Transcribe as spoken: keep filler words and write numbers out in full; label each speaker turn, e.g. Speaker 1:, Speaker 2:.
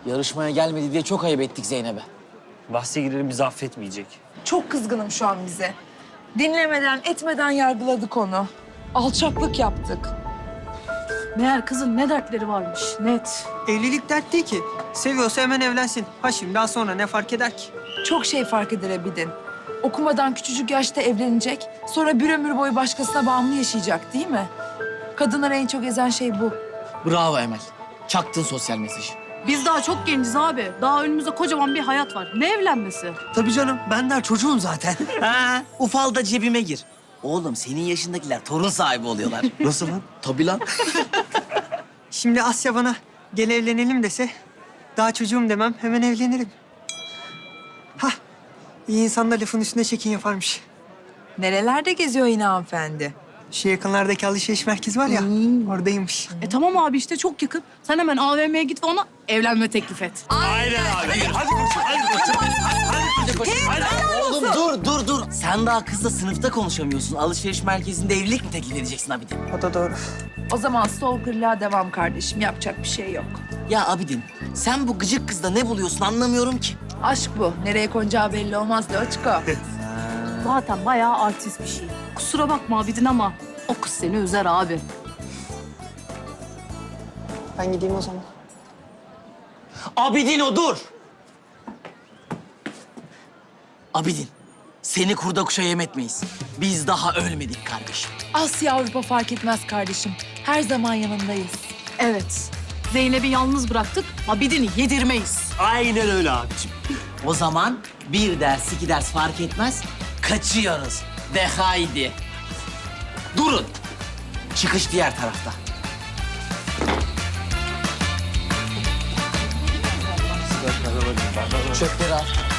Speaker 1: Yarışmaya gelmedi diye çok ayıp ettik Zeynep'e.
Speaker 2: Bahse girelim bizi affetmeyecek.
Speaker 3: Çok kızgınım şu an bize. Dinlemeden, etmeden yargıladık onu. Alçaklık yaptık.
Speaker 4: Meğer kızın ne dertleri varmış, net.
Speaker 5: Evlilik dert değil ki. Seviyorsa hemen evlensin. Ha şimdi daha sonra ne fark eder ki?
Speaker 3: Çok şey fark eder Abidin. Okumadan küçücük yaşta evlenecek, sonra bir ömür boyu başkasına bağımlı yaşayacak değil mi? Kadınları en çok ezen şey bu.
Speaker 1: Bravo Emel. Çaktın sosyal mesajı.
Speaker 4: Biz daha çok genciz abi. Daha önümüzde kocaman bir hayat var. Ne evlenmesi?
Speaker 6: Tabii canım. Ben daha çocuğum zaten.
Speaker 1: Ha, ufal da cebime gir. Oğlum senin yaşındakiler torun sahibi oluyorlar.
Speaker 6: Nasıl lan?
Speaker 1: Tabii lan.
Speaker 5: Şimdi Asya bana gel evlenelim dese daha çocuğum demem hemen evlenirim. Hah iyi insan da lafın üstüne çekin yaparmış.
Speaker 3: Nerelerde geziyor yine hanımefendi?
Speaker 5: Şu yakınlardaki alışveriş merkezi var ya oradaymış.
Speaker 4: E tamam abi işte çok yakın. Sen hemen A V M'ye git ve ona evlenme teklif et.
Speaker 1: Oğlum dur dur dur. Sen daha kızla sınıfta konuşamıyorsun. Alışveriş merkezinde evlilik mi teklif edeceksin Abidin?
Speaker 5: O da doğru.
Speaker 3: O zaman stalkerlığa devam kardeşim. Yapacak bir şey yok.
Speaker 1: Ya Abidin sen bu gıcık kızda ne buluyorsun anlamıyorum ki.
Speaker 3: Aşk bu. Nereye konacağı belli olmaz Loçko.
Speaker 4: Zaten bayağı artist bir şey. Kusura bakma Abidin ama o kız seni üzer abi.
Speaker 5: Ben gideyim o zaman.
Speaker 1: Abidin o dur. Abidin seni kurda kuşa yem etmeyiz. Biz daha ölmedik kardeşim.
Speaker 3: Asya Avrupa fark etmez kardeşim. Her zaman yanındayız.
Speaker 4: Evet. Zeynep'i yalnız bıraktık. Abidin'i yedirmeyiz.
Speaker 6: Aynen öyle abicim.
Speaker 1: O zaman bir ders iki ders fark etmez. Kaçıyoruz. De haydi. Durun. Çıkış diğer tarafta. Çöpleri al.